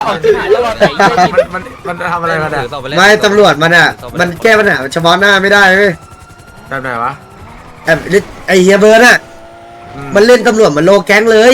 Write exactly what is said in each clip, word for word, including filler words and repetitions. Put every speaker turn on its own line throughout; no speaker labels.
มันมันมันทำอะไรกันอ่ะ
ไม่ตำรวจมันอ่ะมันแก้ปัญหาเฉพาะหน้าไม่ได้เว้ย
แบบไหนวะ
ไอ้ไอเฮียเบิร์ดอ่ะมันเล่นตำรวจเหมือนโลแก๊งเลย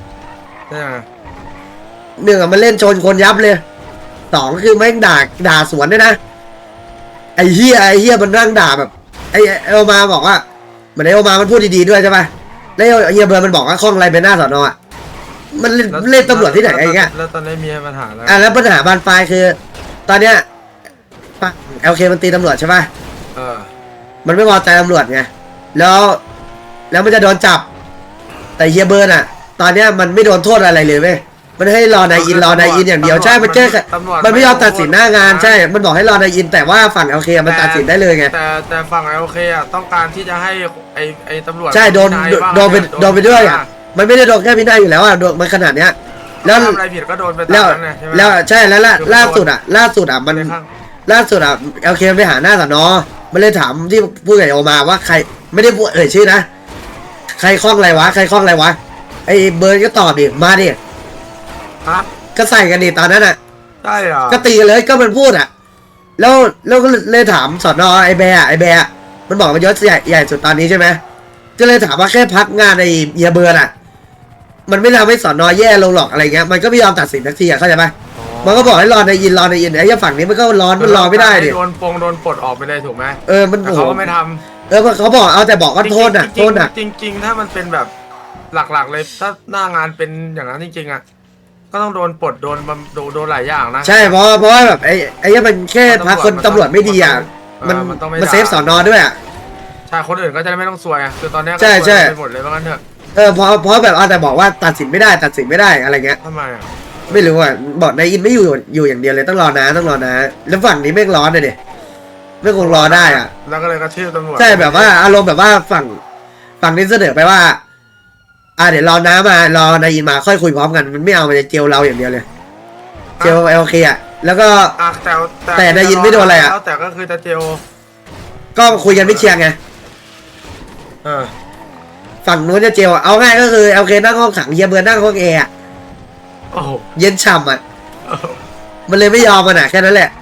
หนึ่งอ่ะมันเล่นชนคนยับเลยสองคือแม่งด่าด่าสวนด้วยนะไอเฮียไอเฮียมันนั่งด่าแบบไอเอลมาบอกว่าเหมือนไอเอลมามันพูดดีๆด้วยใช่ปะแล้วเฮียเบิร์ดมันบอกว่าข้องอะไรเป็นหน้าสอนอมันเล่นเล่นตำรวจที่ไหนไอ้เงี้ย
แล้วตอนนี้มีปัญหาแล้ว
อ่ะแล้วปัญหาบานปลายคือตอนเนี้ยเอลเคมันตีตำรวจใช่ปะ
เออ
มันไม่พอใจตำรวจไงแล้วแล้วมันจะโดนจับแต่เฮียเบิร์นอ่ะตอนเนี้ยมันไม่โดนโทษอะไรเลยเว้ยมันให้รอนายอินรอนายอินอย่างเดียวใช่มันแก้มันไม่ยอมตัดสินหน้างานใช่มันบอกให้รอนายอินแต่ว่าฝั่งเอลเคมันตัดสินได้เลยไง
แต่แต่ฝั่งเอลเคอ่ะต้องการที่จะให้ไอไอตำรวจ
ใช่โดนโดนไปโดนไปด้วยอ่ะมันไม่ได้โดนแค่พินัยอยู่แล้วอ่ะโดนมันขนาดเนี้ยแล้ว
อะไรผิดก็โดนไปตามนั้นไงใช่ไหม
แล้วใช่แล้วล่าสุดอ่ะล่าสุดอ่ะมันล่าสุดอ่ะเอลเคไปหาหน้าสนอมันเลยถามที่ผู้ใหญ่ออกมาว่าใครไม่ได้พูดเอ่ยชื่อนะใครคล้องอะไรวะใครคล้องอะไรวะไอ้เบิร์นก็ตอบดิมาดิก็ใส่กันดิตอนนั้นอ่ะ
ใช่เหรอ
ก็ตีกันเลยก็มันพูดอ่ะแล้วแล้วก็เลยถามสนอไอ้แบร์ไอ้แบร์มันบอกมันยศใหญ่ใหญ่สุดตอนนี้ใช่ไหมก็เลยถามว่าแค่พักงานในเฮียเบิร์นอ่ะมันไม่ทำให้สนอแย่ลงหรอกอะไรเงี้ยมันก็ไม่ยอมตัดสินทักทีอ่ะเข้าใจไหมมันก็บอกให้รอในยินรอในยินไอ้ฝั่งนี้มันก็ร้อนมันรอไม่ได้ดิ
โดนปงโดนปลดออกไปเลยถูกไหม
เออมัน
เขาก็ไม่ทำ
เออเขาบอกเอาแต่บอกว่าโทษน่ะโทษน่ะ
จริงๆถ้ามันเป็นแบบหลักๆเลยถ้าหน้างานเป็นอย่างนั้นจริงๆอ่ะก็ต้องโดนปลดโดนโดนโดนหลายอย่างนะ
ใช่เพราะเพราะว่าแบบไอ้ไอ้มันแค่พักคนตำรวจไม่ดีอ่ะมันมันเซฟสอนอด้วยอ่ะ
ใช่คนอื่นก็จะไม่ต้องซวยอ่ะคือตอนนี้
ใช่ใช่
ไปหมดเลยว่างั้นเถอะ
เออเพราะเพราะแบบเอาแต่บอกว่าตัดสินไม่ได้ตัดสินไม่ได้อะไรเงี้ย
ทำไมอ่ะ
ไม่รู้อ่ะบอกนายอินไม่อยู่อยู่อย่างเดียวเลยต้องรอนะต้องรอนะแล้วฝั่งนี้ไม่ร้อนเลยดิไม่คงรอได้อ่ะ
แล้วก็เลยกระทืบตำรวจ
ใช่แบบว่าอารมณ์แบบว่าฝั่งฝั่งนี้เสนอไปว่าอ่าเดี๋ยวรอน้ามารอนายอินมาค่อยคุยพร้อมกันมันไม่เอามันจะเจลเราอย่างเดียวเลยเจลเอลเคอ่ะแล้วก็
แต่
แต่นายอินไม่โดนอะไรอ่ะ
แต่ก็คือจะเจล
ก็คุยกันไม่เชียงไง
เออ
ฝั่งนู้นจะเจลเอาง่ายก็คือเอลเคนั่งห้องขังเฮียเบิร์นนั่งห้องแอร์เย็นฉ่ำอ่ะมันเลยไม่ยอมมันอ่ะแค่นั้นแหละ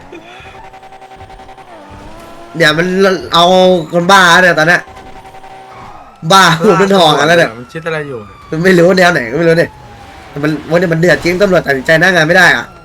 เดี๋ยวมันเอาคนบ้าเนี่ยตอนนี้บ้าหัวมันทองกันแล้วเนี่ย
มันคิดอะไรอยู่
มันไม่รู้แนวไหนก็ไม่รู้เนี่ยมันวันนี้มันเดือดจริงตำรวจตัดสินใจหน้างานไม่ได้อ่ะ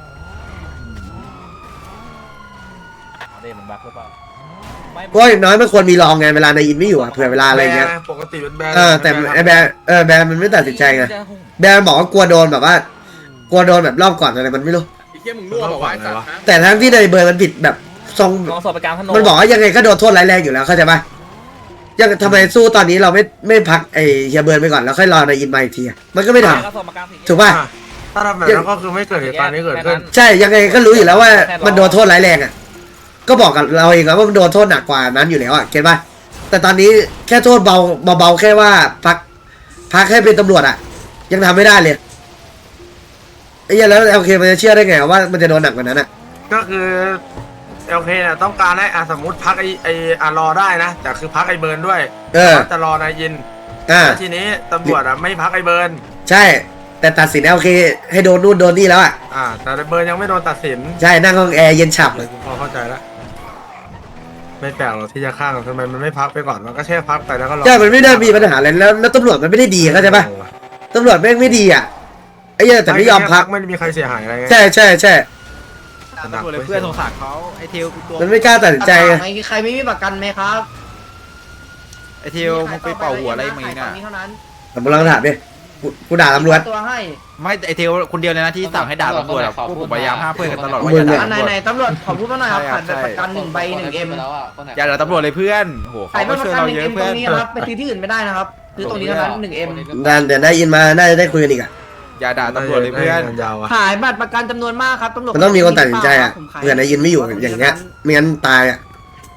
เพราะอย่างน้อยมันควรมีรองไงเวลานายอินไม่อยู่อ่ะเผื่อเวลาอะไรเงี้ย
ปกติเป็นแบรนด์
เออแต่ไอ้แบรนด์เออแบรนด์มันไม่ตัดสินใจไงแบรนด์บอกว่ากลัวโดนแบบว่ากลัวโดนแบบรอบก่อนอะไรมันไม่รู้แต่ทั้งที่ในเบอร์มันผิดแบบทรงมันบอกว่ายังไงก็โดนโทษร้ายแรงอยู่แล้วเข้าใจปะยังทำไมสู้ตอนนี้เราไม่ไม่พักไอ้เฮียเบิร์นไปก่อนแล้วค่อยรอนายอินมาอีกทีมันก็ไม่ทำถูกป่ะ
ถ้าทำแบบนั้นก็คือไม่เกิดเหตุการณ์นี้เกิดขึ้น
ใช่ยังไงก็รู้อยู่แล้วว่ามันโดนโทษร้ายแรงอ่ะก็บอกกับเราเองแล้วว่ามันโดนโทษหนักกว่านั้นอยู่แล้วอ่ะเก็ตป่ะแต่ตอนนี้แค่โทษเบาเบาแค่ว่าพักพักให้เป็นตำรวจอ่ะยังทำไม่ได้เลยไอ้ยังแล้วโอเคมันจะเชื่อได้ไงว่ามันจะโดนหนักกว่านั้นอ่ะ
ก็คือโอเคเนี่ยต้องการให้อ่ะสมมติพักไอไออ่ะรอได้นะแต่คือพักไอเบิร์นด้วย
เออ
จะรอนายยิน
อ่า
ทีนี้ตำรวจอ่ะไม่พักไอเบิร์น
ใช่แต่ตัดสินโอเคให้โดนนู่นโดนนี่แล้วอ่ะ
อ่าแต่เบิร์นยังไม่โดนตัดสิน
ใช่นั่งห้องแอร์เย็นฉ่ำเลย
พอเข้าใจแล้วไม่แปลกหรอกที่จะข้างทำไมมันไม่พักไปก่อนมันก็แค่พักไปแล้วก็รอ
ใช่มันไม่ได้มีปัญหาอะไรแล้วแล้วตำรวจมันไม่ได้ดีเข้าใจปะตำรวจแม่งไม่ดีอ่ะไอ้ยังแต่ไม่ยอมพัก
ไม่มีใครเสียหายอะไร
ใช่ใช่ใช่
ตำรวจเลยเพื่อนสงสารเขาไอเทลตัว
มันไม่กล้าตัดสินใจไง
ใครไม่มีประกันไหมครับ
ไอเทลมึงไปเป่าหัวอะไรมึงน่ะ
ผมลองถามดิกูด่าตำรวจ
ไม่ไอเทลคนเดียวเลยนะที่สั่งให้ด่าตำรวจพวกผมพยายามห้ามเพื่อนกันตลอดว่า
อย่าด่าไหนไหนตำรวจขอพูดมาหน่อยครับขาดประกันหนึ่งใบหนึ่งเอ็ม
อย่าด่าตำรวจเลยเพื่อนโหเขาก็ช่วยเราเยอะเพื่อน
ไปซื้อที่อื่นไม่ได้นะครับซื้อตรงนี้เท่านั้นหนึ่งเอ็ม
ดันเดี๋ยวได้ยินมาน่าจะได้คุยกันอีกอ่ะ
อย่าด่าตำรวจเลยเพื่อน
ขายบัตรประกันจำนวนมากครับตำรวจ
มันต้องมีคนตัดสินใจอ่ะเผื่อนายยินไม่อยู่อย่างเงี้ยไม่งั้นตายอ่ะ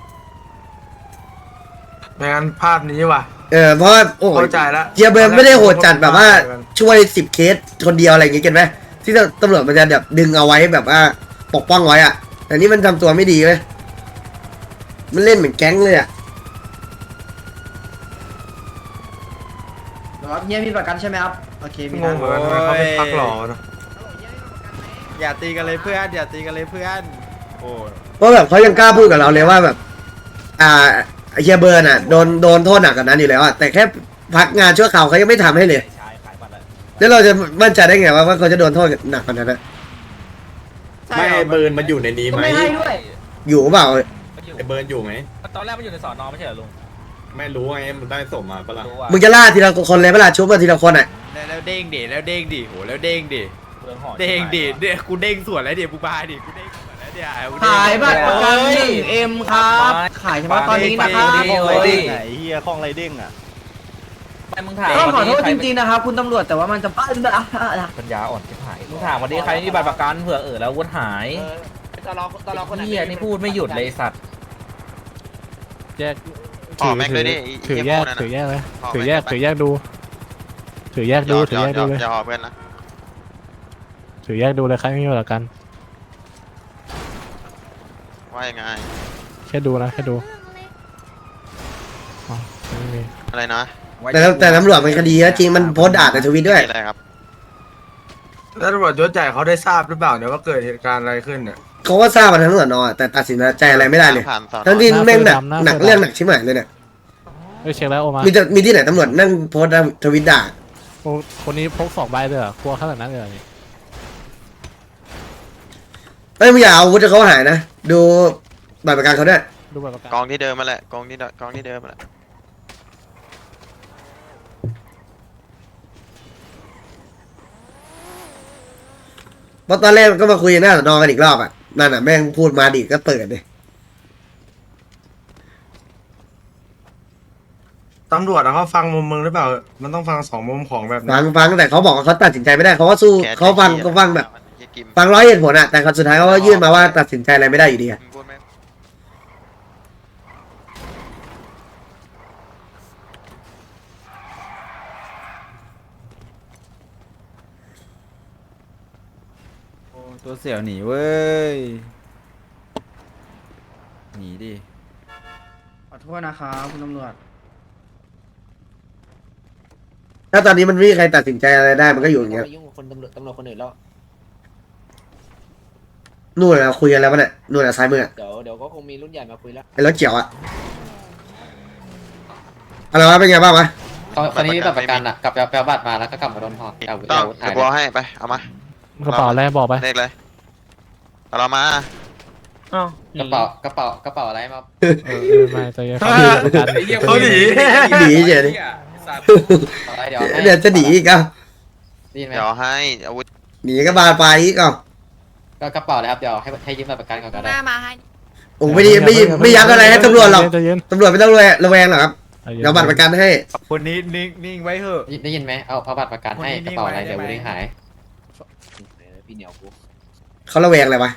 ไม่งั้นภาพนี้ว่ะ
เออเพราะโอ้
เข้าใจแล้ว
เจียเบิร์นไม่ได้โหดจัดแบบว่าช่วยสิบเคสคนเดียวอะไรอย่างเงี้ยเก็ตไหมที่ตำรวจมันจะแบบดึงเอาไว้แบบว่าปกป้องไว้อ่ะแต่นี่มันทำตัวไม่ดีเลยมันเล่นเหมือนแก๊งเลยอ่ะ
ครับเฮียมีประกันใช่ไหมครับโอเคมี
งงเหมือนกันเขาไม่พักหรอเนาะ
อย่าตีกันเลยเพื่อนอย่าตีกันเลยเพื่อนโอ้
เพราะแบบเขายังกล้าพูดกับเราเลยว่าแบบ อ่าไอ้เฮียเบิร์นอ่ะโดนโดนโทษหนักกว่านั้นอยู่แล้วอ่ะแต่แค่พักงานชั่วคราวเขายังไม่ทำให้เลยแล้วเราจะมั่นใจได้ไงว่าว่าเขาจะโดนโทษหนักกว่านั้นนะ
ไม่ไอ้เบิร์นมันอยู่ในนี้ไหม
ไม่ให้ด้วย
อยู่เปล่า
ไอ้เบิร์นอยู่ไหม
ตอนแรกมันอยู่ในสอนอไม่ใช่เหรอลุง
ไม่รู้ไงมันได้ส่งมาปะล่ะ
รู้ว่า
มึงจะล่าทีละคนเลยเวลาชุบมาทีละคนอ่ะ
แล้วแล้วเด้งดิแล้วเด้งดิโหแล้วเด้งดิ
เรื่องหอ
เด้งดิเด้งกูเด้งสวนแล้วเดี๋ยวกูบายดิกูเด้งสวนแล้วเดี๋ยวกูเด้ง
ขายบัตรประกันหนึ่งเอ็มครับขายเฉพาะตอนนี้นะครับ
ไหนเฮีย
ไปมึงถาม
ต้องขอโทษจริงๆนะครับคุณตำรวจแต่ว่ามันจะป้า
ปัญญาอ่อนชิบหายมึงถามวันนี้ใครมีบัตรประกันเผื่อเออแล้ววุฒิหาย
ตลอดตลอดคนไหน
เฮียนี่พูดไม่หยุดเลยสัตว์
ห่อแม็กเลยดิ
ถือแยกถือแยกเลยถือแยกถือแยกดู ถือแยกดูถือแยกดูเลย
อย่าห่อเพื่อนนะ
ถือแยกดูเลยใครไม่มีหลักกัน
ว่ายังไง
แค่ดูนะแค่ดูอ๋อไม่มี
อะไรนะ
แต่แต่ตำรวจมันคดีนะจริงมันโพสต์ด่าในทวิตด้วย
อะไรครับ
แล้วตำรวจยศใหญ่เขาได้ทราบหรือเปล่าเนี่ยว่าเกิดเหตุการณ์อะไรขึ้นเนี่ย
เขาก็ทราบมาทั้งสอนอแต่ตัดสินใจอะไรไม่ได้เลย
ผ่านสอน
ทั้งที่แม่งหนักหนักเรื่องหนักชิบหายเลยเนี่ย
เฮ้ยเช็คแล้วโอมา
มีแต่มีที่ไหนตำรวจนั่งโพสต์ทวิตด่า
โอ้คนนี้พกสองใบเลยเหรอกลัวขนาดนั้นเลยเหรอนี่
เอ้ยไม่อย่าเอาอาวุธให้เขาหายนะดูบัตรประกันเขาด้วย
ดูบัตรประกัน
กองที่เดิมมาแหละกองที่เดิมกองที่เดิมมาแหละ
เพราะตอนแรกก็มาคุยหน้าสอนอกันอีกรอบอ่ะนั่นอ่ะแม่งพูดมาดิก็เปิดเลย
ตำรวจอะเขาฟังมุมมึงหรือเปล่า มันต้องฟังสองมุมของแบบ
ฟั
นี้
งฟังแต่เขาบอกว่าเขาตัดสินใจไม่ได้เขาก็สู้
แก
เขาฟังก็ฟังแบบ
เหี้ยกิม
ฟังร้อยเหตุผลอ่ะแต่เขาสุดท้ายเขาก็ยื่นมาว่าตัดสินใจอะไรไม่ได้อยู่ดีอะ
มึงพูดไหม
โอ้ตัวเสี่ยวหนีเว้ยหนีดิ
ขอโทษนะครับคุณตำรวจ
ถ้าตอนนี้มันไม่มีใครตัดสินใจอะไรได้มันก็อยู่อย่างเงี้ย
ยุ่งกับคนตำรวจตำรวจคนอื่นแล้ว
นู่นเราคุยกันแล้วมันอ่ะนู่นอ่ะซ้ายมืออ่ะ
เดี๋ยวเดี๋ยวก็คงมีรุ่นใหญ่มาคุยแล้ว
ไอ้รถเขียวอ่ะอะไรวะเป็นไงบ้างวะ
คนนี้มีบัตรประกันอ่ะกลับไปเอาบัตรมาแล้วก็กลับมาโดนหอกเอา
ต้อง
เอา
เดี๋ยวกูเอาให้ไปเอามาก
ระเป๋าอะไรบอกไป
เลขเลยเอาเรามา
กระเป๋ากระเป๋ากระเป๋าอะไรมา
เออเออไม่ใจเย็นครับประกัน
เขาหนี
หนีเฉยดิ
อะไรเดี๋ยวให้
เดี๋ยวจะหนีอีกอ่ะ
ได้ยินไหม
เดี๋ยวให้อาวุธ
หนีก็บานไปอีกอ่ะ
ก็กระเป๋าเลยครับเดี๋ยวให้ให้ยืมบัตรประกันก่อนก็ได้
มามาให้
โอ้ไม่ได้ไม่ไม่ยักอะไรให้ตำรวจหรอก
ใจเย็น
ตำรวจไม่ต้องระแวงระแวงหรอกครับ
ใจเย็น
เดี๋ยวบัตรประกันให้
คนนี้นิ่งนิ่งไว้เถอะ
ได้ยินไหมเอาเอาบัตรประกันให้
คนนี้
กระเป๋าอะไร
นิ่งไว้
เดี๋ยว
ได้ไหม
วุ้หายพี่เหนียวกู
เขาระแวงอะไรวะ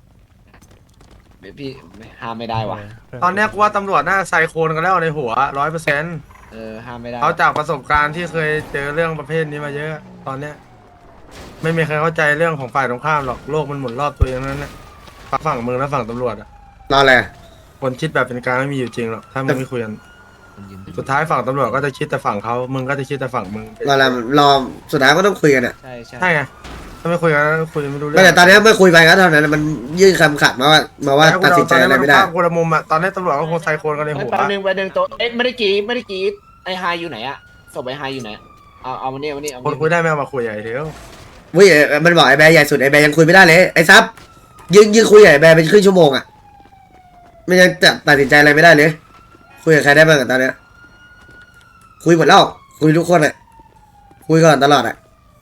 พี่ห้ามไม่ได้ว่ะ
ตอนเนี้ยกูว่าตำรวจน่าไซโคนกันแล้วในหัวร้อยเปอร์เซ็นต์
เออห้ามไม่ได้
เขาจากประสบการณ์ที่เคยเจอเรื่องประเภทนี้มาเยอะ ตอนเนี้ยไม่มีใครเข้าใจเรื่องของฝ่ายตรงข้ามหรอกโลกมันหมุนรอบตัวเองนั้นนะฝั่งมึงและฝั่งตำรวจอะ
รออะไร
คนคิดแบบเป็นกลางไม่มีอยู่จริงหรอกถ้ามึงไม่คุยกันสุดท้ายฝั่งตำรวจก็จะคิดแต่ฝั่งเขามึงก็จะคิดแต่ฝั่งมึง
รออะไรรอสุดท้ายก็ต้องคุยกันอ่ะ
ใช่ใช่
ใช่ไงถ้าไม่คุยกันก็คุยไม่รู้เรื่
ไม่แต่ตอนนี้ไม่คุยไปก็เท่านั้นมันยื่นคำขาดมาว่ามาว่าตัดสินใจอะไรไม่ได้
ตนนี้นคนละมุมอะตอนนี้ตำรวจก็คงไซโคนกันในหัว
แป๊บนึงแป๊บนึงโต๊ะเอ๊ะไม่ได้กรีดไม่ได้กรีดไอ้ไฮอยู่ไหนอะศพไอ้ไฮอยู่ไหนเอาเอามาเนี่ยมาเนี่ยเอา
คนคุยได้ไม่เอามาคุยใหญ่เดียว
เว้ยมันบอกไอ้แบร์ใหญ่สุดไอ้แบร์ยังคุยไม่ได้เลยไอ้ซับยืนยืนคุยกับไอ้แบร์เป็นครึ่งชั่วโมงอ่ะไม่ยังจะตัดสินใจอะไรไม่ได้เลยคุยกับใครได้บ้างอะตอนเนี้ยคุยหมดแล้วคุยทุกคนเลยคุยก่อนตลอดอ่ะ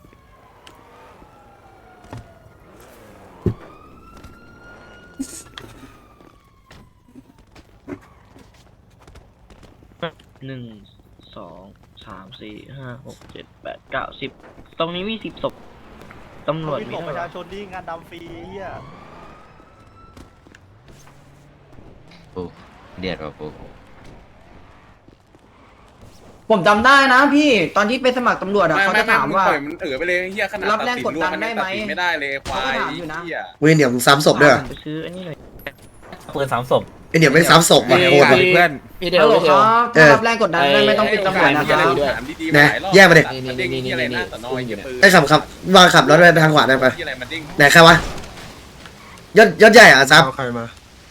หนึ่งสองสามสี่ห้าหกเจ็ดแปดเก้าสิบตรงนี้มีสิบศพตำรวจมี
ประชาชนนี่งานดำฟรีเฮีย
เดือดว่ะปู
ผมจำได้นะพี่ตอนที่ไปสมัครตำรวจอะเขาจะถามว่า
มันถือไปเลยเฮียขนาด
รับแรงกดดันได้ไหม
ไม่ได้เลยควาย
เขาก็ถามอยู่นะ
เฮีย
เว้ยเดี๋ยวมึงซ้ำศพด้วย
ไปซื้ออันนี้หน่อยปืนสามศพ
ไอเหนียวไม่ซ้ำศพว่ะโคตรว่ะ
เพื่อน
พี่เดีย
ฮั
ว
ลโหล
พี่
ค
เดียว
รับถ้ารับแรงกดดันได้ไม่ต้องปิดตำรวจนะครับ
นะแยกมาดิ
นี่นี่นี่นี่นี่นี่
ไอ้ขับขับวางขับรถไปทางขวาได้ปะ
ที่อะไรมันดิ้ง
ไหนใครวะยศยศใหญ่อ่ะซับ
เอาใครมาย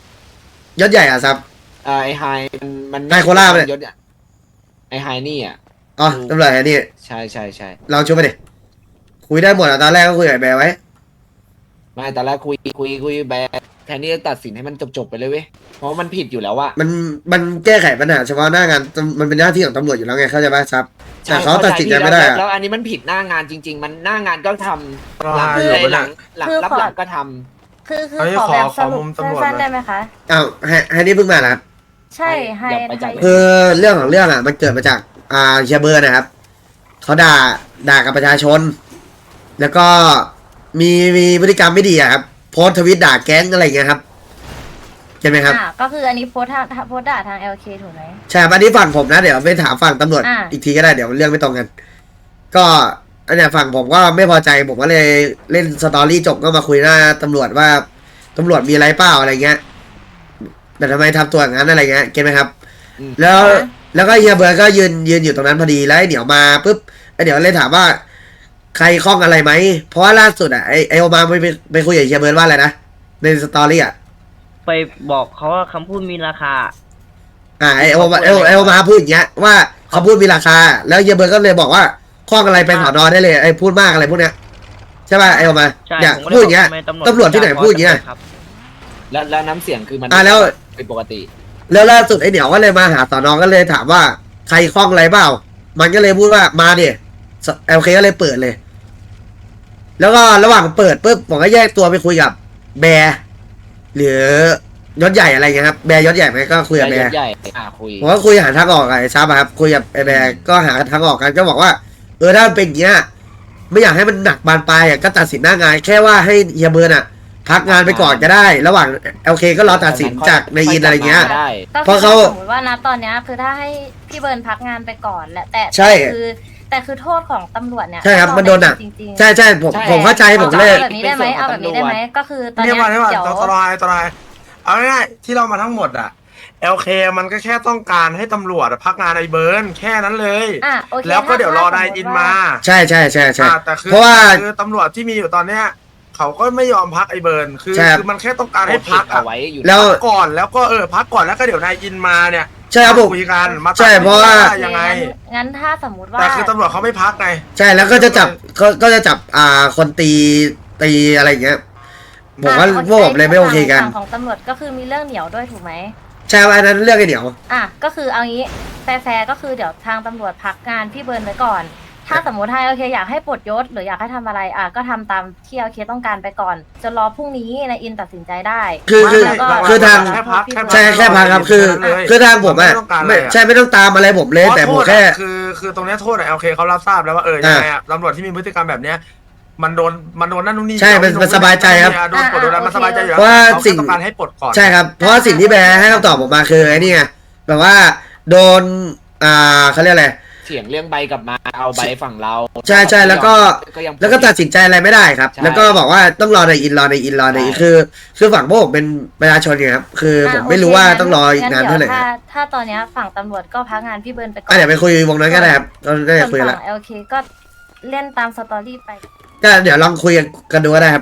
ศใหญ่อ่ะซับ
อ่าไอไฮมันมัน
ไฮโคล่าปะเนี่ย
ยศอะไอไฮนี่อ่ะ
อ๋อตำรวจไอ้นี่
ใช่ใช่ใช่
เราช่วยไปดิคุยได้หมดอ่ะตอนแรกก็คุยกับไอ้แบร์ไว้
ไม่แต่แรกคุยคุยคุยแบร์แทนที่จะตัดสินให้มันจบๆไปเลยเว้ยเพราะมันผิดอยู่แล้วอะ
มันมันแก้ไขปัญหาเฉพาะหน้างานมันเป็นหน้าที่ของตำรวจอยู่แล้วไงเข้าใจป่ะซับแต่เขาตัดสินใจไม่ได้
แล้ว
อะ
แล้วอันนี้มันผิดหน้างานจริง ๆ มันหน้างานก็ทำ
รอ
หลัง
ให้อยู่
เอ้ย
ไป
หลั
นะ
งหลัง
คือ
รับ
ขอ
หลังก็ทำ
คือคือ
เฮ้ย
ขอ
ขอ
แบบ
ข
ส
อ
รุ
มุ
ป
มตำรวจ
สั้น
หน่อย
ๆได้ไหมคะ
อ้าวให้ให้นี่เพิ่งมานะครับ
ใช่ให้
อย่าไปจับ
ให้
คือเรื่องของเรื่องอ่ะมันเกิดมาจากอ่าเฮียเบิร์นนะครับเขาด่าด่ากับประชาชน แล้วก็มีมีพฤติกรรมไม่ดีอะครับโพสต์ทวิตด่าแก๊งอะไรอย่างเงี้ยครับใช่ไหมครับ
อ่าก็คืออันนี้โพสต์ทางโพสต์ด่าทาง แอล เค ถูกไหม
ใช่ครับอันนี้ฝั่งผมนะเดี๋ยวไปถามฝั่งตำรวจ
อ่า
อีกทีก็ได้เดี๋ยวเรื่องไม่ตรงกัน ก็อันเนี้ยฝั่งผมก็ไม่พอใจผมก็เลยเล่นสตอรี่จบก็มาคุยหน้าตำรวจว่าตำรวจมีอะไรเปล่าอะไรเงี้ยแต่ทำไมทำตัวอย่างนั้นอะไรเงี้ยเก็ตไหมครับ
อืม
แล้วแล้วก็เฮียเบิร์ดก็ยืนยืนอยู่ตรงนั้นพอดีแล้วไอ้เดี๋ยวมาปุ๊บไอ้เดี๋ยวเลยถามว่า ใครคล้องอะไรไหมเพราะว่าล่าสุดอ่ะไอไอโอมาไปไปไปคุยกับเฮียเบิร์ดว่าอะไรนะในสตอรี่อ่ะ
ไปบอกเขาว่าคำพูดมีราคา
อ่าไอโอมาไอโอไอโอมาพูดอย่างเงี้ยว่าเขาพูดมีราคา แล้วเฮียเบิร์ดก็เลยบอกว่าคล้องอะไรไปสอนอได้เลยไอพูดมากอะไรพวกเนี้ยใช่ป่ะไอโอมา
ใช่
เนี่ย
ผมก็
พูดอย่างเงี้ย
ทำไม
ตำรวจที่ไหนพูดอย่างเงี้ย
ครับ
แล้วแล้วน้ำเสียงคือมัน
อ่ะแล้ว
เป็นปกติ
แล้วล่าสุดไอเหนียวก็เลยมาหาสอนอก็เลยถามว่าใครคล้องอะไรเปล่า มันก็เลยพูดว่ามาดิเอลเคก็เลยเปิดเลย แล้วก็ระหว่างเปิดปุ๊บผมก็แยกตัวไปคุยกับแบร์หรือยศใหญ่อะไรเงี้ยครับแบร์ยศใหญ่ไหมก็คุยกับแบร์
ใหญ่อ่ะคุย
ผมก็คุยหาทางออกกับไอ้ซับอะครับคุยกับไอ้แบร์ก็หาทางออกกันก็บอกว่าเออถ้ามันเป็นอย่างเงี้ยไม่อยากให้มันหนักบานปลายอ่ะก็ตัดสินหน้างานแค่ว่าให้เฮียเบิร์นอ่ะ พักงานไปก่อนก็ได้ ระหว่างเอลเคก็รอตัดสินจากในอินอะไรเงี้ย
ได้
ก็
เพราะ
คือ
เขา
สมมติว่านะตอนเนี้ยคือถ้าให้พี่เบิร์นพักงานไปก่อนแหละแต่
ใช่
แต่คือแต่คือโทษของตำรวจเนี่ย
ใช่ครับมันโดนหนัก
จริงๆ
ใช่ใช่ผมผมเข้าใจผมเลย
เอาแบบนี้ได้ไหมเอาแบบนี้ได้ไหมก็คือตอน
เนี่
เนี้
ย
ย
มาเนี่ยมา
เดี๋ยว
ตรายตรายเอาง่ายๆที่เรามาทั้งหมดอะ แอล เค มันก็แค่ต้องการให้ตำรวจอะพักงานไอ้เบิร์นแค่นั้นเลย
อ่ะโอเค
แล้วก็
ถ้า
เดี๋ยวรอ
ถ้
นาย
สมมุติ
อิน
ว่
มา
ใช่ใช่ใช่ใช่
อ่าแต่คือ
เพราะว่า
คือตำรวจที่มีอยู่ตอนเนี้ยเขาก็ไม่ยอมพักไอ้เบิร์นคือ
ใช่ครับ
คือมันแค่ต้องการ
ให้
ให้
พั
พั
ก
ก
เอา
อะ
ไว้อยู่
แล้ว
พักก่อนแล้วก็เออพักก่อนแล้วก็เดี๋ยวนายอินมาเนี่ย
ใช่ครับผม
คุยกันมาตัด
ใช่เพราะว่า
ยังไง
งั้นงั้นถ้าสมมุติว่า
แต่คือตำรวจเขาไม่พักไง
ใช่แล้วก็จะจับก็ก็จะจับอ่าคนตีตีอะไรอย่างเงี้ยผมว่า
อ่ะ
พวกผมเลยไม่โอเคกัน
ฝั่งของตำรวจก็คือมีเรื่องเหนียวด้วยถูกไหม
ใช่อันนั้นเรื่องไอ้เดี๋ยว
อ่ะก็คือเอางี้แฟร์ๆก็คือเดี๋ยวทางตำรวจพักงานพี่เบิร์นไว้ก่อน ถ้าสมมติให้โอเคอยากให้ปลดยศหรืออยากให้ทำอะไรอ่ะก็ทำตามที่โอเคต้องการไปก่อนจนรอพรุ่งนี้นายอินตัดสินใจได้
คือคือ
แล้วก็
คือทาง
แค่พักแค่พัก
ใช่แค่พักครับคือ
เลย
คือทางผมอ่ะ
ไม่ต้องการอะไร
ไม่
อะ
ใช่ไม่ต้องตามอะไรผมเลยแต่ผมแค่
เพราะโทษอะคือคือตรงเนี้ยโทษอะโอเคเขารับทราบแล้วว่าเออยังไงอะตำรวจที่มีพฤติกรรมแบบเนี้ยมันโดนมันโดนนั่นนู่นนี่
ใช่มันมันสบายใจครับ
โดนปลดโดนอะไรมันสบายใจอยู่แล้ว
เพราะว่า
เขา
สิ่
แค่
ง
ต้องการให้ปลดก่อน
ใช่ครับ เพราะว่าสิ่งที่แบร์ให้คำตอบผมมาคือไอ้นี่ไงแบบว่าโดนอ่าเขาเรียกอะไร
เถียงเรื่องใบกลับมาเอาใบฝั่งเรา
ใช่ใช่แล้วก็
ยัง
แล้วก็ตัดสินใจอะไรไม่ได้ครับ
ใช่
แล้วก็บอกว่าต้องรอในอินรอในอินรอในอิน
ใช่
คือ คือฝั่งพวกผมเป็นประชาชนไงครับคือผมไม่รู้ว่าต้องรออีกนานเท่าไหร่
งั้นดี๋ยวถ้าถ้าตอนเนี้ยฝั่งตำรวจก็พักงานพี่เบิร์นไปก่อ
อ่ะ
น
เดี๋ยวไปคุยวงนั้นก็ได้ครับก็ได้
ส่วน
คุย
ฝั่
ละ
งโอเคก็เล่นตามสตอรี่ไป
ก็เดี๋ยวลองคุยกันดูก็ได้ครับ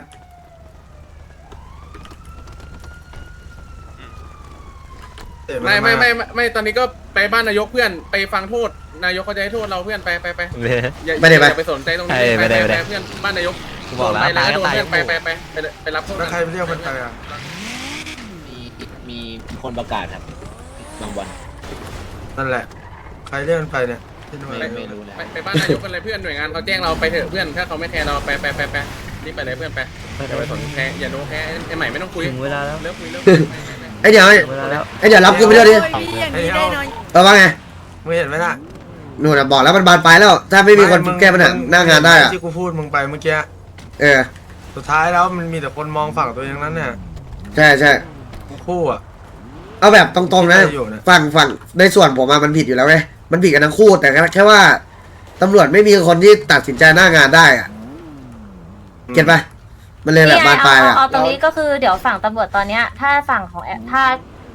ไม่ไม่ไม่ไม่ไม่ตอนนี้ก็ไปบ้านนายกเพื่อนไปฟังโทษนายกเขาจะให้โทษเราเพื่อนไปไปไปอย่า
ไม่ได้ไป
อย่าไปสนใจตรงนี้
ไม่ได้ไม่ได้
เพื่อนบ้านนายก
กูบอกแล้ว
ไปเลย
ตายก็
โดน
ตาย
เพื่อนไปไปไปไปไปไปรับโทษ
แล้วใครไปเรียกมันไปอ่ะ
มีมีคนประกาศครับบางวัน
นั่นแหละ ใครเรียกมันไปเนี่ยที่นู่น
ไม่ไม่รู้นะ
ไปไปบ้านนายกกันเลยเพื่อนหน่วยงานเขาแจ้งเราไปเถอะเพื่อนถ้าเขาไม่แคร์เราไปไปไปไปรีบไปเลยเพื่อนไปอย่าไปสนแคร์อย่าโดนแคร์ไอ้ใหม่ไม่ต้องคุย
ถึงเวลาแล้ว
เลิกคุยเลิกคุยไปไปไป
ไอ้เดี๋ยว
ถึงเวลาแล้ว
ไอ้เดี๋ยวรับกูไปด้วยดิ
ไอ้เอา
เออว่าไง
มึงเห็นไหมน่ะ
นู่นน่ะบอกแล้วมันบานปลายแล้ว ถ้าไม่มีคน
มึง
แก้ปัญหาหน้างานได้อะ
ที่กูพูดมึงไปเมื่อกี้
เออ
สุดท้ายแล้วมันมีแต่คนมองฝั่งตัวเองนั้นเนี่ย
ใช่ใช่
กูคู่อ่ะ
เอาแบบตรงๆนะ
ไม่อยู่นะ
ฝั่งฝั่งในส่วนผมอะมันผิดอยู่แล้วไงมันผิดกันทั้งคู่แต่แค่ว่าตำรวจไม่มีคนที่ตัดสินใจหน้างานได้อะเก็ตปะมันเลยแบบบานปลาย
เอา
อะ
เอาตรงนี้ก็คือเดี๋ยวฝั่งตำรวจตอนเนี้ยถ้าฝั่งของแอถ้า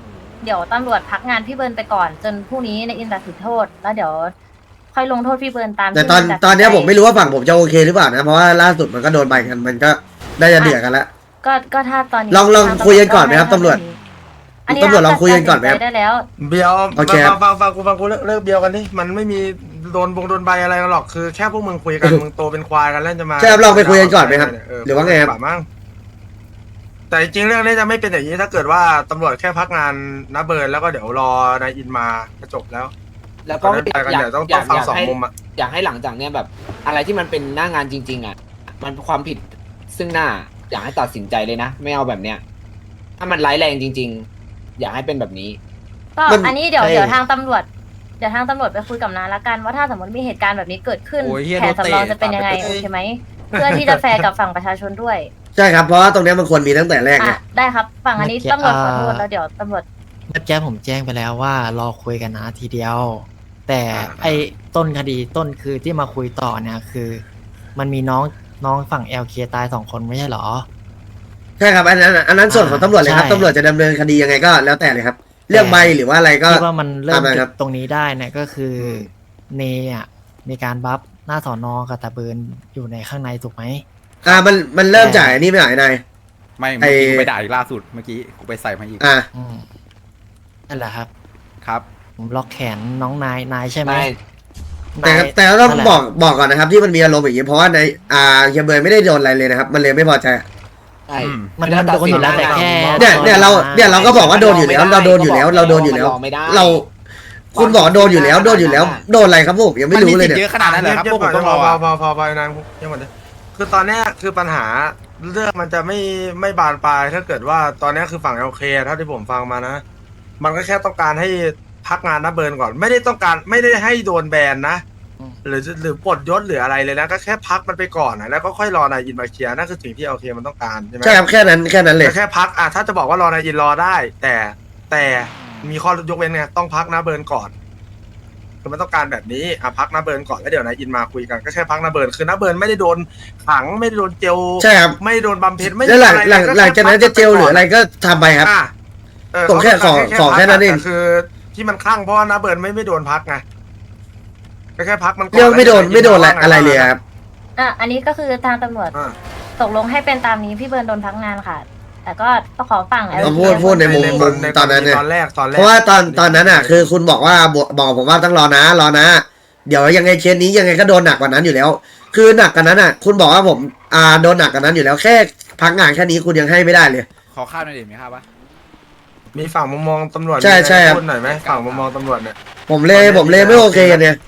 เดี๋ยวตำรวจพักงานพี่เบิร์นไปก่อน จนพรุ่งนี้ในอินตัดสินโทษ แล้วเดี๋ยวค่อยลงโทษพี่เบิร์นตาม
แต่ตอน
ที่
ตอนเนี้ยผมไม่รู้ว่าฝั่งผมจะโอเคหรือเปล่านะเพราะว่าล่าสุดมันก็โดนใบกันมันก็ได้จะเดือดกันแล้ว
ก็ก็ถ้าตอนนี้
ลองลองคุยกันก่อนไหมครับตำรวจ
อันนี้
ตำรวจลองคุยกันก่อนไหมครับ
ตัดสิใจได้แล้ว
เบียว
โอเคครับ
ฟังฟังฟังกูฟังกูเลิกเลิกเบียวกันดิมันไม่มีโดนบงโดนใบอะไรหรอกคือแค่พวกมึงคุยกันมึงโตเป็นควายกันแล้วจะมา
ใช่ครับลองไปคุยกันก่อนไหมครับหรือว่าไงครับ
ป่มั้งแต่จริงๆเรื่องนี้จะไม่เป็นอย่างนี้ถ้าเกิดว่าตำรวจแค่พักงานนะเบิร์นแล้วก็เดี๋ยวรอนายอินมาก็จบแล้ว
แล้วก็
ก็ไปกัน
อยาก
เดี๋ยวต้อง
อยาก
ต้องฟัง
อยาก
สอง
ให้
มุมอะ
อยากให้หลังจากเนี้ยแบบ อะไรที่มันเป็นหน้างานจริง ๆ อ่ะ มันเป็นความผิดซึ่งหน้า อยากให้ตัดสินใจเลยนะ ไม่เอาแบบเนี้ย ถ้ามันร้ายแรงจริง ๆ อยากให้เป็นแบบนี้
ก็
มัน
อันนี้เดี๋ยว
ใช่
เดี๋ยวทางตำรวจเดี๋ยวทางตำรวจไปคุยกับน้าละกันว่าถ้าสมมติมีเหตุการณ์แบบนี้เกิดขึ้น
โอ้ยเหี้ย
แผนสำรองจะเป็นยังไง
โดนเตะ
โอเคไหมเพื่อที่จะแฟร์กับฝั่งประชาชนด้วย
ใช่ครับเพราะว่าตรงเนี้ยมันควรมีตั้งแต่แรกไง
อ่ะได้ครับฝั่งอันนี้ตำรวจขอโทษแล้วเดี๋ยวตำรวจ
เมื่อกี้ผมแจ้งไปแล้วว่ารอคุยกันนะทีเดียว แต่ไอ้ต้นคดีต้นคือที่มาคุยต่อเนี่ยคือ มันมีน้องน้องฝั่ง แอล เค ตายสองคนไม่ใช่เหรอ
ใช่ครับอันนั้นอันนั้นส่วนของตำรวจเลยครับ
ใช่
ตำรวจจะดำเนินคดียังไงก็แล้วแต่เลยครับ เรื่องใบหรือว่าอะไรก็
ที่ว่ามันเริ่ม
ตามนั้น
จุ
ครั
ด
บ
ตรงนี้ได้เนี่ยก็คือเนอ่ะมีการบัฟหน้าสอนอกับตาเบิร์นอยู่ในข้างในถูกไหม
อ่ามันมันเริ่มจ่ายอันนี่ไม่หายนาย
ไม่
ไอ้
เมื่อกี้กูไปด่าอีกล่าสุดเมื่อกี้กูไปใส่มาอีก
อ่า
อืมนั่นแหละครับ
ครับ
ผมล็อกแขนน้องนายนายใช่ไหม
แต่
นาย
แต่ก็ต้อง
นั่นแหละ
บอกบอกก่อนนะครับ ที่มันมีอารมณ์อย่างนี้เพราะว่าในอ่าเฮียเบย์ไม่ได้โดนอะไรเลยนะครับ มันเลยไม่พอใจ
ใช่
อืม
มันมันโดนอยู่แล้วแต่แค่
เนี่ยเนี่ยเราเนี่ยเราก็บอกว่าโดนอยู่แล้ว เราโดนอยู่แล้ว เราโดนอยู่แล้ว
ไม่ได้
เรา คุณบอกโดนอยู่แล้วโดนอยู่แล้ว โดนอะไรครับผมยังไม่รู้เลย
นสิทธิ์
เนี่
เย
ย
อะขนาดนั้นเลยครับ
เงี
พ
ยว
ก
บ
ผ
ๆ
ม
ก่อน
ต้องรอ
พอพอพอพอนะเงียบหมดเลยคือตอนเนี้ยคือปัญหาเรื่องมันจะไม่ไม่บานปลายถ้าเกิดว่าตอนเนี้ยคือฝั่งโอเคเท่าที่ผมฟังมานะ มันก็แค่ต้องการให้พักงานนะเบิร์นก่อน ไม่ได้ต้องการไม่ได้ให้โดนแบนนะ หรือหรือปลดยศหรืออะไรเลยนะก็แค่พักมันไปก่อนนะแล้วก็ค่อยรอนายอินมาเคลียร์นั่นคือสิ่งที่โอเคมันต้องการใช่ไหม
ใช่ครับแค่นั้นแค่นั้นเลย
แต่แค่พักอ่ะถ้าจะบอกว่ารอนายอินรอได้ แต่แต่มีข้อยกเว้นไงต้องพักนะเบิร์นก่อนคือมันต้องการแบบนี้อ่ะพักนะเบิร์นก่อนแล้วเดี๋ยวนายอินมาคุยกันก็แค่พักนะเบิร์นคือนะเบิร์นไม่ได้โดนขังไม่ได้โดนเจล
ใช่ครับ
ไม่ได้โดนบำเพ็ญไม่
แล้วหลัง
อะไร
หลัง
ก็
หลังจากนั้นจะเจลหรืออะไรก็ทำไปครับ
อ่ะเออ
ส่งแค่
เขา
ขอ
พัก
ขอแค่นั้นเอง
แต่คือที่มันคลั่งเพราะว่านะเบิร์นไม่ไม่โดนพักไงก็แค่พักมันก่อน
เรื่องไม่โดน
แล้ว
ไม่โดนอะไร
ว่าไง
อะไรเลยครับ
อ่ะอันนี้ก็คือทางตำรวจ
อ่ะ
ตกลงให้เป็นตามนี้พี่เบิร์นโดนพักงานค่ะ แต่ก็ต้องขอฝั่ง
เราพูดพูดในมุมมุมตอนนั้นเนี่ย
ตอนแรกตอนแรก
เพราะว่าตอนตอนนั้นอ่ะ คือคุณบอกว่าบอกบอกผมว่าต้องรอนะรอนะ เดี๋ยวยังไงเคสนี้ยังไงก็โดนหนักกว่านั้นอยู่แล้ว คือหนักกว่านั้นอ่ะ คุณบอกว่าผมอ่าโดนหนักกว่านั้นอยู่แล้วแค่พักงานแค่นี้คุณยังให้ไม่ได้เลย
ขอข้าวหน่อยดิมีข้าวปะ
มีฝั่งมุมมองตำรวจ
ใช่ใช่ครับ
พูดหน่อยไหมฝั่งมุมมองตำรวจเนี่ย
ผมเลยผมเลยไม่โอเคกันเนี่ย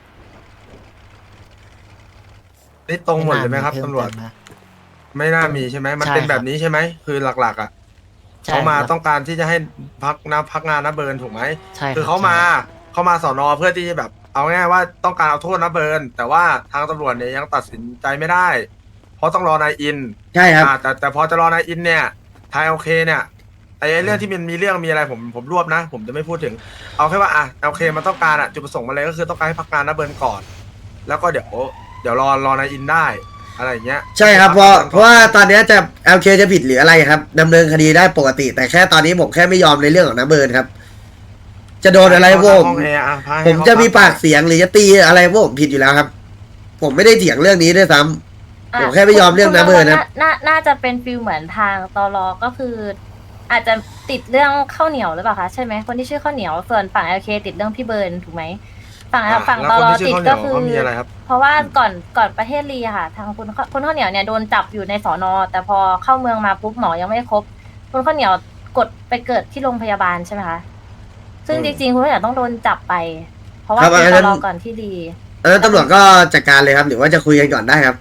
นี่ตรงหมดเลยไหมครับตำรวจ ไม่น่ามีใช่ไหมมันเป็นแบบนี้ใช่ไหมคือหลักๆอ่ะ
ใช่
เขามา
ครับ
ต้องการที่จะให้พักนะพักงานนะเบิร์นถูกไหม
ใช่รับ
คือเขามาเขามาสอนอเพื่อที่จะแบบ เอาง่ายๆว่าต้องการเอาโทษนะเบิร์นแต่ว่าทางตำรวจเนี่ยยังตัดสินใจไม่ได้ เพราะต้องรอนายอิน
ใช่ครับ
อ่าแต่แต่พอจะรอนายอินเนี่ยทายโอเคเนี่ยไอ้ไอ้เรื่องที่มันมีเรื่องมีอะไรผมผมรวบนะ ผมจะไม่พูดถึง เอาแค่ว่าอ่ะโอเคมันต้องการอ่ะจุดประสงค์มันเลยก็คือต้องการให้พักงานนะเบิร์นก่อน แล้วก็เดี๋ยวเดี๋ยวรอรอนายอินได้อะไรอย่างเงี้ย
ใช่ครับเพราะเพราะว่าตอนเนี้ยจะ แอล เค จะผิดหรืออะไรครับดำเนินคดีได้ปกติ แต่แค่ตอนนี้ผมแค่ไม่ยอมในเรื่องของน้าเบิร์นครับ จะโดนอะไรพวกผม
ห้องแอร์อ่ะพาให้
ผมจะมี
เขา
ปากเสียงหรือจะตีอะไรพวกผมผิดอยู่แล้วครับ ผมไม่ได้เถียงเรื่องนี้ด้วยซ้ำ
อ่ะ
ผมแค่ไม่ยอมเรื่องนะเบิร์นนะ
น่าน่าจะเป็นฟิลเหมือนทางตลก็คือ อาจจะติดเรื่องข้าวเหนียวหรือเปล่าคะใช่ไหมคนที่ชื่อข้าวเหนียวส่วนฝั่งโอเคติดเรื่องพี่เบิร์นถูกไหมฝั่ง
อ่ะ
ฝั่ง
แล้ว
ต
คน
ล
ที่ชื่
ติ
อ
ด
ข้าวเหนี
ก็
ยว
คือ
เขามีอะไรครับ
เพราะว่าก่อนก่อนประเทศลีอะค่ะ ทางคุณคุณข้าวเหนียวเนี่ยโดนจับอยู่ในสอนอแต่พอเข้าเมืองมาปุ๊บหมอยังไม่ครบคุณข้าวเหนียวกดไปเกิดที่โรงพยาบาลใช่ไหมคะซึ่งจริงๆคุณข้าวเหนียวต้องโดนจับไป เพราะว่า
ครับ
เป็น
อัน
ต
นั้น
ลก่อนที่ลี
เออตำรวจก็จัดการเลยครับ หรือว่าจะคุยกันก่อนได้ครับ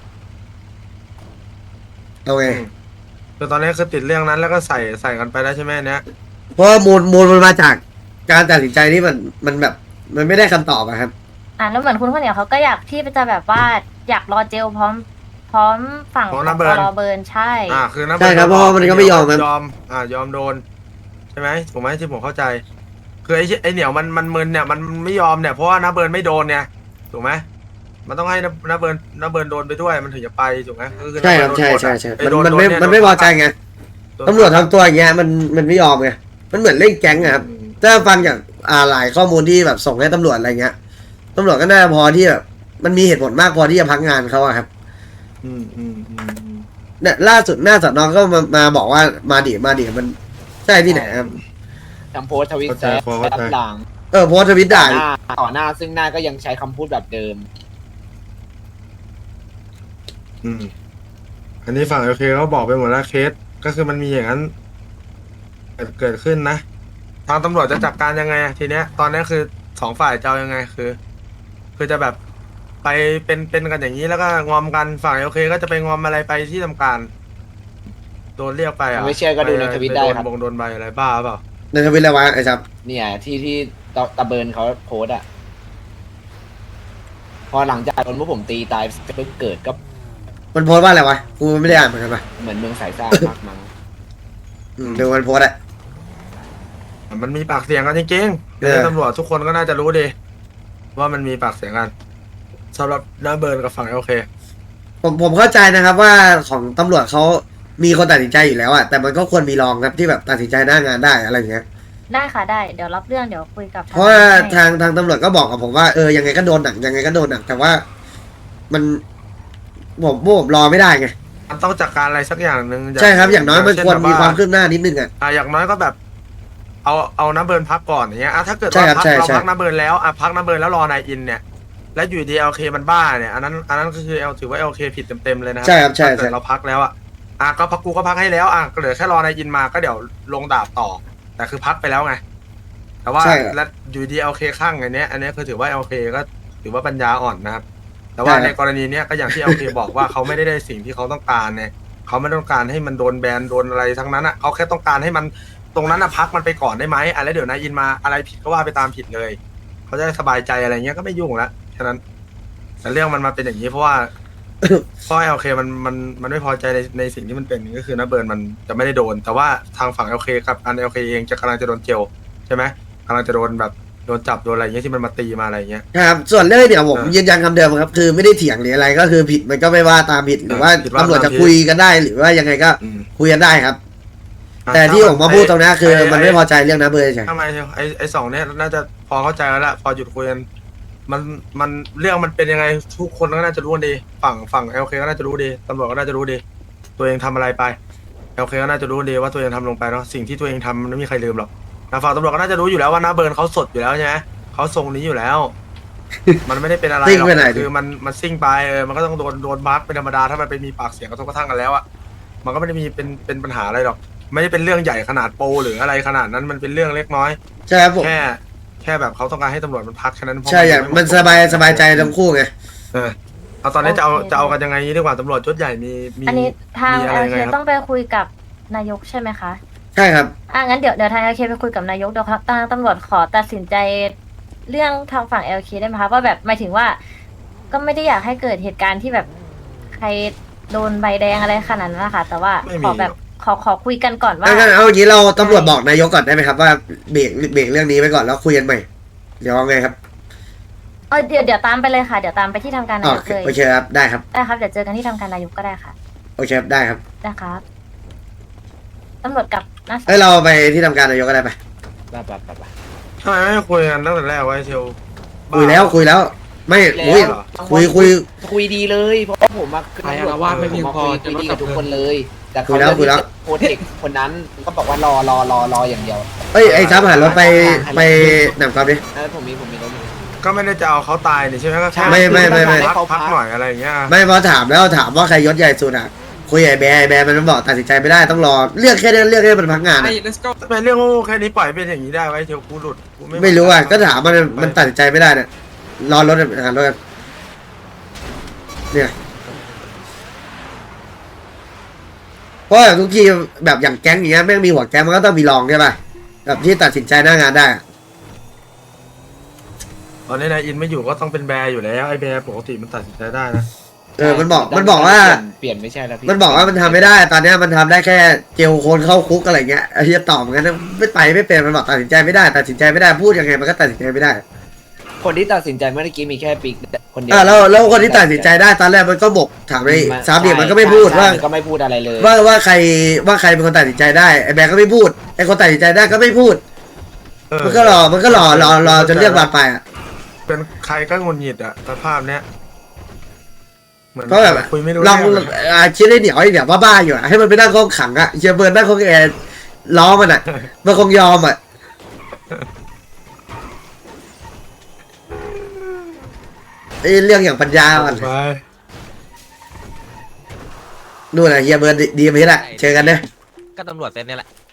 โอเค
อืมคือตอนนี้คือติดเรื่องนั้นแล้วก็ใส่ใส่กันไปแล้วใช่ไหมเนี้ย
เพราะว่ามูลมูลมันมาจากการตัดสินใจที่มันมันแบบ มันไม่ได้คำตอบอะครับ
อ่ะแล้วเหมือนคุณข้าวเหนียวเขาก็อยากที่จะแบบว่าอยากรอเจลพร้อม พร้อมฝั่ง
ข
ข
อ
อง ง
น้าเบิร์น
ตลเบิร์นใช่
อ่าคือนะ
ใช่ครับเพราะว่ามันก็ไม่ยอมครับ
ยอมอ่ายอมโดนใช่ไหมถูกไหมที่ผมเข้าใจ คือไอ้ไอ้เหนียวมันมันมึนเนี่ยมันไม่ยอมเนี่ยเพราะว่านะเบิร์นไม่โดนเนี่ยถูกไหมมันต้องให้นะนะเบิร์นนะเบิร์นโดนไปด้วยมันถึงจะไปถูกไหมก็คือ
ใช่ครับ
นะ
ใช่
เบิร์นโดน
ใช่ใช่
ไอ้
มัน
โด
มันไม่
โดเย
มันไม่พอใจไง
โดน
ตำรวจทำตัวอย่างเงี้ยมันมันไม่ยอมไงมันเหมือนเล่นแก๊งอะครับถ้าฟังจากอ่าหลายข้อมูลที่แบบส่งให้ตำรวจอะไรเงี้ยตำรวจก็น่าพอที่แบบมันมีเหตุผลมากพอที่จะพักงานเขาอะครับ
อืมอืมอืมอืม
เนี่ยล่าสุดหน้าสอนอก็มามาบอกว่ามาดิมาดิมันใช่ที่ไหนครับ
ทำโพสต์ทวิตแซะรับหลัง
เออโพสต์ทวิต
ต่
ด่า
อหน้าต่อหน้าซึ่งหน้าก็ยังใช้คำพูดแบบเดิม
อืมอันนี้ฝั่งโอเคเขาบอกไปหมดแล้วเคสก็คือมันมีอย่างนั้นเกิดเกิดขึ้นนะทางตำรวจจะจัดการยังไงอะทีเนี้ย ตอนนี้คือสองฝ่ายจะเอายังไงคือ คือจะแบบไปเป็นเป็นกันอย่างนี้แล้วก็งอมกันฝั่งโอเคก็จะไปงอมอะไรไปที่ทำการ โดนเรียกไปอ่ะ
ไม่เชื่อก็ดูในทวิตได้ครับ
โดนบงโดนใบอะไรบ้าเปล่า
ในทวิตอะไรวะไอ้ซับ
เนี่ยที่ที่ตะตะเบิร์นเขาโพสต์อะพอหลังจากโดนพวกผมตีตายเพิ่งเกิดก็
มันโพสต์ว่าอะไรวะกูไม่ได้อ่านเหมือนกันปะ
เหมือนเมืองสายซ่านมากมั้ง
อืมเดี๋ยวมันโพสต์อะ
มันมีปากเสียงกันจริงๆ
เออ
ในตำรวจทุกคนก็น่าจะรู้ดีว่ามันมีปากเสียงกันสำหรับน้าเบิร์นกับฝั่งโอเค
ผมผมเข้าใจนะครับว่าของตำรวจเขามีคนตัดสินใจอยู่แล้วอะแต่มันก็ควรมีรองครับที่แบบตัดสินใจหน้างานได้อะไรอย่างเงี้ย
ได้ค่ะได้เดี๋ยวรับเรื่องเดี๋ยวคุยกับ
เพราะว่า
ให้
ทางทางตำรวจก็บอกกับผมว่าเออยังไงก็โดนหนักยังไงก็โดนหนักแต่ว่ามันผมผมรอไม่ได้ไง
มันต้องจัดการอะไรสักอย่างหนึ่ง
ใช่ครับอย่างน้อยมัน
เช่
ควรมี
แบบ
ความคืบหน้านิดนึงอะ
อ่ะอย่างน้อยก็แบบ เอาเอาน้าเบิร์นพักก่อนอย่างเงี้ยอ่ะถ้าเกิด
ใช่
ว่า
ครับ
พัก
ใช่
เรา
ใช่
พักน้าเบิร์นแล้วอ่ะพักน้าเบิร์นแล้วรอนายอินเนี่ย แล้วอยู่ดีเอลเคมันบ้าเนี่ยอันนั้นอันนั้นก็คือเอลถือว่าเอลเคผิดเต็มๆเลยนะ
ใช่ครับใช่
ถ้าเกิ
ใช่
ดเราพักแล้วอ่ะอ่ะก็พักกูก็พักให้แล้วอ่ะก็เหลือแค่รอนายอินมาก็เดี๋ยวลงดาบต่อ แต่คือพักไปแล้วไง แต่ว่า
ใช่ครับ
แล้วอยู่ดีเอลเคข้างอันเนี้ยอันเนี้ยคือถือว่าเอลเคก็ถือว่าปัญญาอ่อนนะครับ แต่ว่า
ใช่ครับ
ในกรณีเนี้ยก็อย่างที่เอลเคบอกว่าเขาไม่ได้ได้สิ่งที่เขาต้องการเนี่ยเขาไม่ต้องการให้มันโดนแบนโดนอะไรทั้งนั้นอ่ะเขาแค่ต้องการให้มันตรงนั้นอ่ะพักมันไปก่อนได้ไหมอะไรเดี๋ยวนายอินมาอะไรผิดก็ว่าไปตามผิดเลยเขาจะได้สบายใจอะไรเงี้ยก็ไม่ยุ่งละแค่นั้นแต่เรื่องมันมาเป็นอย่างนี้เพราะว่า เพราะเอลเคมันมันมันไม่พอใจในในสิ่งที่มันเป็นก็คือนะเบิร์นมันจะไม่ได้โดน แต่ว่าทางฝั่งเอลเคกับอันเอลเคเองจะกำลังจะโดนเจลใช่ไหมกำลังจะโดนแบบโดนจับโดนอะไรเงี้ยที่มันมาตีมาอะไรเงี้ย
ครับส่วนเรื่องเดี๋ยวผม
อ่ายื
ยืนยันคำเดิมครับคือไม่ได้เถียงหรืออะไรก็คือผิดมันก็ไม่ว่าตามผิดหรือว่า
ผิดว่า
ตำรวจจะ
ตามผิด
คุยกันได้หรือว่ายังไงก็
อืม
คุยกันได้ครับ
อ่ะ
แต่ที่ผมมาพูดตรงนี้คือ
ไอ้
มันไม่พอใจเรื่องน้าเบอร์ใช่
ทำไมไอ้ไอ้สองเนี้ยน่าจะพอเข้าใจแล้วละพอหยุดคุยกันมันมันเรื่องมันเป็นยังไงทุกคนก็น่าจะรู้กันดี ฝั่งฝั่งเอลเคก็น่าจะรู้ดีตำรวจก็น่าจะรู้ดี ตัวเองทำอะไรไปเอลเคก็น่าจะรู้ดีว่าตัวเองทำลงไปเนาะสิ่งที่ตัวเองทำมันไม่มีใครลืมหรอกนะฝั่งตำรวจก็น่าจะรู้อยู่แล้วว่าน้าเบิร์นเขาสดอยู่แล้วใช่ไหมเขาทรงนี้อยู่แล้ว มันไม่ได้เป็นอะไรห
ซิ่ง
รอก
ไปไหนดิ
คือมันมันซิ่งไปเออมันก็ต้องโดนโดนบั๊กเป็นธรรมดาถ้ามันไปมีปากเสียงกระทบกระทั่งกันแล้วอะมันก็ไม่ได้มีเป็นเป็นปัญหาอะไรหรอก ไม่ได้เป็นเรื่องใหญ่ขนาดโปรหรืออะไรขนาดนั้นมันเป็นเรื่องเล็กน้อย
ใช่ครับผม
แค่แค่แบบเขาต้องการให้ตำรวจมันพักแค่นั้นเพระ
ใช่อย่าง
ไ
มันสบายสบายใจทั้งคู่ไง
เออเอาตอนนี้จะเอาจะเอากันยังไงดีกว่าตำรวจชุดใหญ่มีมี
อันนี้ทาง
มีอะ
เอ
ไร
ล
ยัง
เค
ไงครับ
ต้องไปคุยกับนายกใช่ไหมคะ
ใช่ครับ
อ่ะงั้นเดี๋ยวเดี๋ยวทางเอลเคไปคุยกับนายกเดี๋ยวครับทางตำรวจขอตัดสินใจเรื่องทางฝั่งเอลเคได้ไหมคะว่าแบบหมายถึงว่า ก็ไม่ได้อยากให้เกิดเหตุการณ์ที่แบบใครโดนใบแดงอะไรขนาดนั้นนะคะแต่ว่า
ไม่
ข
มี
อแบบขอขอคุยกันก่อนว่า
งั้นเอาอย่างนี้เราตำรวจบอกนายกก่อนได้ไหมครับว่าเบรกเบรกเรื่องนี้ไว้ก่อนแล้วคุยกันใหม่เดี๋ยวเอาไงครับ
เออเดี๋ยวเดี๋ยวตามไปเลยค่ะเดี๋ยวตามไปที่ทำการ
อ๋
นา
อย
กเลย
โอเคครับได้ครับ
ได้ครับเดี๋ยวเจอกันที่ทำการนายกก็ได้ค่ะ
โอเคครับได้ครับ
นะครับตำรวจกับนัก
เอ้ยเราไปที่ทำการนายกก็ได้ไป
แบบแบบแบบ
ทำไมไม่คุยกันตั้งแต่แรกไว้เชียวบ้า
คุยแล้วคุยแล้ว ไม่
แล้ว
คุยคุยคุย
คุยดีเลยเพราะว่าผมมาขึ้น
ใครอาละวาดไม่เพียงพอ
คุยดีกับทุกคนเลย แต่
คุ
เขา
ยแล้วคุยแล้ว
โปรเทคคนนั้นก็บอกว่ารอรอรอรออย่างเดียว
เอ้ยไอ้ซับหันเราไปไปหนำกอล์ฟดิ
เออผมมีผมมีรถอยู่
ก็ไม่ได้จะเอาเขาตายนี่ใช่ไหมก็แค่
ไม่ไม่ไม่ไม่
พักพักหน่อยอะไรอย่างเงี้ย
ไม่พอถามแล้วถามว่าใครยศใหญ่สุดอ่ะคุยไอ้แบร์ไอ้แบร์มันบอกตัดสินใจไม่ได้ต้องรอเลือกแค่นี้เลือกแค่มันพักงานอะ
let's go
ทำไมเรื่องโง่แค่นี้ปล่อยเป็นอย่างนี้ได้ไว้เชียวกูหลุดกู
ไม่รู้อ่ะก็ถามมันมันตัดสินใจไม่ได้เนี่ยรอรถหารถกันเนี่ยเพราะแบบทุกทีแบบอย่างแก๊งอย่างเงี้ยแม่งมีหัวแก๊งมันก็ต้องมีรองใช่ป่ะแบบที่ตัดสินใจหน้างานได้อะ
ตอนนี้นายอินไม่อยู่ก็ต้องเป็นแบร์อยู่แล้วไอ้แบร์ปกติมันตัดสินใจได้นะ
เออมันบอกมันบอกว่า
เปลี่ยนไม่ใช่แล้วพี่
มันบอกว่ามันทำไม่ได้ ตอนเนี้ยมันทำได้แค่เจลโคนเข้าคุกอะไรเงี้ยไอ้ที่จะตอบงั้นไม่ไปไม่เป็นมันบอกตัดสินใจไม่ได้ตัดสินใจไม่ได้พูดยังไงมันก็ตัดสินใจไม่ได้
คนที่ตัดสินใจเมื่อกี้มีแค่ปิ๊กคนเดียว
อ่าแล้วแล้วคนที่ตัดสินใจได้ตอนแรกมันก็บอกถามไอ้สามเดียมันก็ไม่พูดว่า
ก็ไม่พูดอะไรเลย
ว่าว่าใครว่าใครเป็นคนตัดสินใจได้ไอ้แบงก์ก็ไม่พูดไอ้คนตัดสินใจได้ก็ไม่พูด
เออ
มันก็รอมันก็รอรอรอจนเรื่องบานปลายอ่ะ
เป็นใครก็งุนหงิดอ่ะสภาพเนี้ยเหมือน
เพราะแบบ
คุยไม่รู้
ลอง
เรื่องอะ
อาคิดได้เหนียวไอ้เหนียวบ้าๆอยู่อ่ะให้มันไปนั่งห้องขังอ่ะเชียร์เบิร์นนั่งห้องแอร์ล้อมันอ่ะมันคงยอมอ่ะไอ้เรื่องอย่างปัญญาอ่ะ
ไป
นู่นน่ะเฮียเบิร์นดีดีไปแหละเจอกันเด้อ
ก็ตำรวจเซ็นนี่แหละ